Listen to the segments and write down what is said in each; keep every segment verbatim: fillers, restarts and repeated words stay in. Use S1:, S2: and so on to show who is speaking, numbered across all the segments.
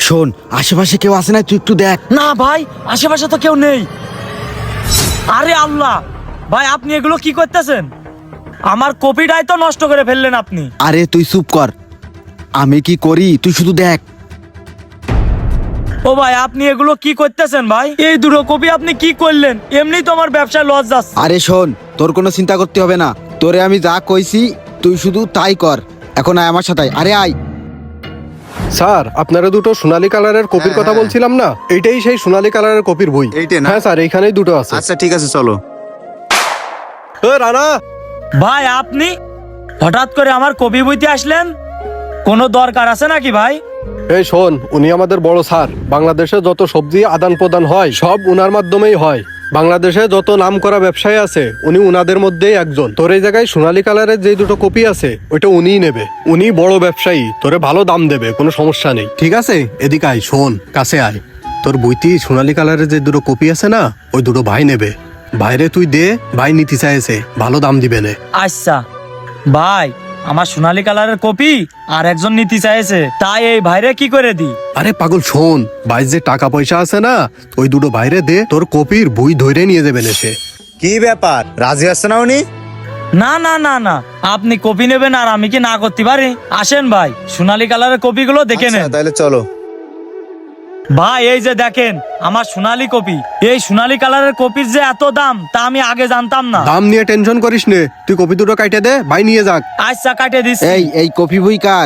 S1: শোন, আশেপাশে কেউ আছে না, তুই একটু দেখ।
S2: না ভাই, আশেপাশে তো কেউ নেই। আরে আল্লাহ, ভাই আপনি এগুলো কি করতেছেন? আমার কপিটাই তো নষ্ট করে ফেললেন আপনি।
S1: আরে তুই চুপ কর, আমি কি করি তুই শুধু দেখ।
S2: ও ভাই, আপনি এগুলো কি করতেছেন ভাই? এই দুটো কপি আপনি কি করলেন? এমনি তো আমার ব্যবসায় লস যাচ্ছে।
S1: আরে শোন, তোর কোনো চিন্তা করতে হবে না, তোরে আমি যা কইছি তুই শুধু তাই কর। এখন আয় আমার সাথে, আরে আয়।
S3: স্যার, আপনারা দুটো সোনালী কালারের কপির
S4: হ্যাঁ,
S3: কথা
S4: হ্যাঁ।
S3: বলছিলাম না, এইটাই সেই সোনালী কালারের কপির বই।
S4: এইটাই না?
S3: হ্যাঁ স্যার, এইখানেই দুটো আছে।
S4: আচ্ছা ঠিক আছে, চলো।
S3: এ, রানা,
S2: ভাই আপনি হঠাৎ করে আমার কপি বইতে আসলেন, কোনো দরকার আছে নাকি ভাই?
S3: এই শোন, উনি আমাদের বড় স্যার। বাংলাদেশে যত সবজি আদান প্রদান হয় সব উনার মাধ্যমেই হয়। বাংলাদেশে যত নাম করা ব্যবসায়ী আছে উনি উনাদের মধ্যেই একজন। তোর এই জায়গায় সোনালী কালারের যে দুটো কপি আছে ওইটা উনিই নেবে। উনি বড় ব্যবসায়ী, তোরে ভালো দাম দেবে, কোনো সমস্যা নেই। ঠিক আছে, এদিকে আয়, শোন, কাছে আয়। তোর বইটি সোনালী কালারের যে দুটো কপি আছে না, ওই দুটো ভাই নেবে। ভাইরে তুই দে, ভাই নিতে চাইছে, ভালো দাম দিবে নে।
S2: আচ্ছা ভাই, আমার সোনালী কালারের কপি আর একজন নিতে চাইছে, তাই এই ভাইরে কি করে দি?
S3: আরে পাগল, শোন, ভাই যে টাকা পয়সা আছে না, ওই দুটো বাইরে দে, তোর কপির বই ধরে নিয়ে যাবেন এসে।
S4: কি ব্যাপার, রাজি আসছে না উনি?
S2: না না না না, আপনি কপি নেবেন আর আমি কি না করতে পারি? আসেন ভাই, সোনালী কালারের কপিগুলো দেখে
S4: আচ্ছা,
S2: নেন।
S4: তাহলে চলো।
S2: ভাই এই যে দেখেন আমার সোনালী কপি। এই সোনালী কালারের কপির যে এত দাম তা আমি আগে জানতাম না।
S3: দাম নিয়ে টেনশন করিস নে, তুই কপি দুটো কাটে দে, ভাই নিয়ে যাক।
S2: আচ্ছা কাটে দিচ্ছি।
S1: এই এই কপি বই কার?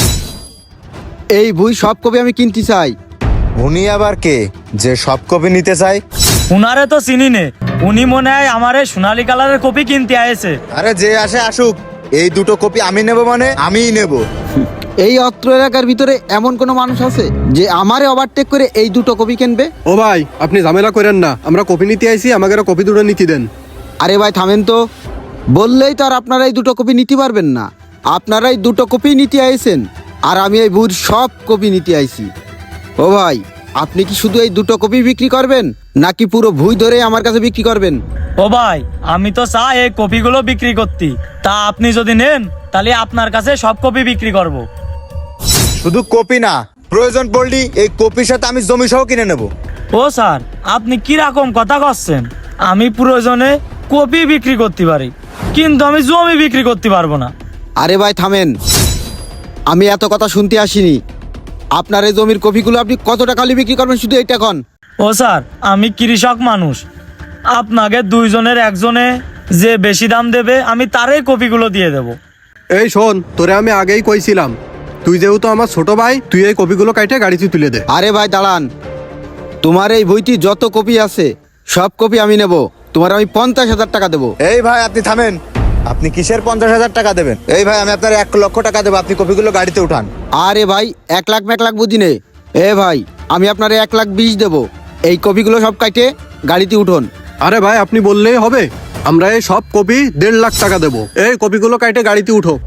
S1: এই বই সব কপি আমি কিনতে চাই।
S4: উনি আবার কে যে সব কপি নিতে চাই?
S2: উনারে তো চিনি নে, উনি মনে হয় আমার এই সোনালী কালারের কপি কিনতে আয়েছে।
S4: আরে যে আসে আসুক, এই দুটো কপি আমি নেব মানে আমিই নেব।
S1: এই অত্র এলাকার ভিতরে এমন কোনো মানুষ আছে যে আমারে ওভারটেক করে এই দুটো কপি কিনবে?
S3: ও ভাই, আপনি ঝামেলা করেন না, আমরা কপি নিতে আইছি, আমাকে কপি দুটো নিতে দেন।
S1: আরে ভাই থামেন তো, বললেই তো আর আপনারা এই দুটো কপি নিতে পারবেন না। আপনারা এই দুটো কপি নিতে আইছেন আর আমি এই বইয়ের সব কপি নিতে আইছি। ও ভাই, আপনি কি শুধু এই দুটো কপি বিক্রি করবেন নাকি পুরো বই ধরে আমার কাছে বিক্রি করবেন?
S2: ও ভাই, আমি তো চাই এই কপিগুলো বিক্রি করতে, তা আপনি যদি নেন তাহলে আপনার কাছে সব কপি বিক্রি করব।
S4: শুধু কপি না, প্রয়োজন পড়লি এই কপির সাথে আমি জমি সহ কিনে নেব।
S2: ও স্যার, আপনি কি রকম কথা করছেন? আমি প্রয়োজনে কপি বিক্রি করতে পারি, কিন্তু আমি জমি বিক্রি করতে পারবো না।
S1: আরে ভাই থামেন, আমি এত কথা শুনতে আসিনি। আপনার এই জমির কপিগুলো আপনি কত টাকা হলে বিক্রি করবেন শুধু এইটা কন।
S2: ও স্যার, আমি কৃষক মানুষ, আপনাকে দুইজনের একজনে যে বেশি দাম দেবে আমি তারই কপিগুলো দিয়ে দেব।
S3: এই শোন, তোরে আমি আগেই কইছিলাম, তুই যেহেতু আমার ছোট ভাই, তুই এই কপিগুলো কাটে গাড়িতে তুলে দে।
S1: আরে ভাই দাঁড়ান, তোমার এই বইটি যত কপি আছে সব কপি আমি নেব। তোমার আমি পঞ্চাশ হাজার টাকা দেবো।
S4: এই ভাই আপনি থামেন, আপনি কিসের পঞ্চাশ হাজার টাকা দেবেন? এই ভাই আমি আপনার এক লক্ষ টাকা দেবো, আপনি কপিগুলো গাড়িতে উঠান।
S1: আরে ভাই, এক লাখ এক লাখ বুঝি নে। এ ভাই, আমি আপনার এক লাখ বিশ দেবো। এই কপিগুলো সব কাটে গাড়িতে উঠোন।
S3: আরে ভাই, আপনি বললেই হবে, আমরা এই সব কপি দেড় লাখ টাকা দেবো। এই কপিগুলো কাটে গাড়িতে উঠো।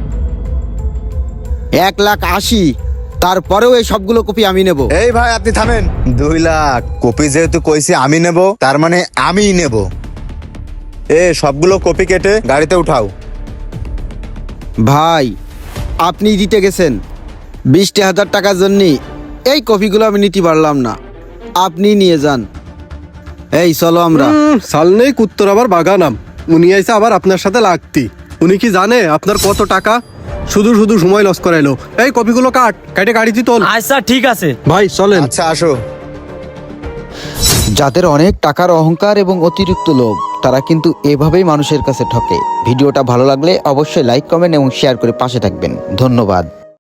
S1: এক লাখ আশি, তারপরেও এই সবগুলো কপি আমি নেব।
S4: এই ভাই আপনি থামেন, দুই লাখ কপি যেহেতু কইছি আমি নেব, তার মানে আমিই নেব। এ সবগুলো কপি কেটে গাড়িতে উঠাও।
S1: ভাই আপনি দিতে গেছেন বিশটি হাজার টাকার জন্য, এই কপিগুলো আমি নিতে পারলাম না, আপনি নিয়ে যান। এই চলো আমরা।
S3: হুম, সাল নেই কুত্তর আবার বাগানাম। উনি আইসা আবার আপনার সাথে লাগতি। উনি কি জানে আপনার কত টাকা? শুধু শুধু সময় লস করাইলো। এই কপিগুলো কাট, কাটে গাড়িতে তোল।
S2: আচ্ছা ঠিক আছে
S3: ভাই চলেন।
S4: আচ্ছা আসো।
S1: যাদের অনেক টাকার অহংকার এবং অতিরিক্ত লোভ, তারা কিন্তু এভাবেই মানুষের কাছে ঠকে। ভিডিওটা ভালো লাগলে অবশ্যই লাইক কমেন্ট এবং শেয়ার করে পাশে থাকবেন। ধন্যবাদ।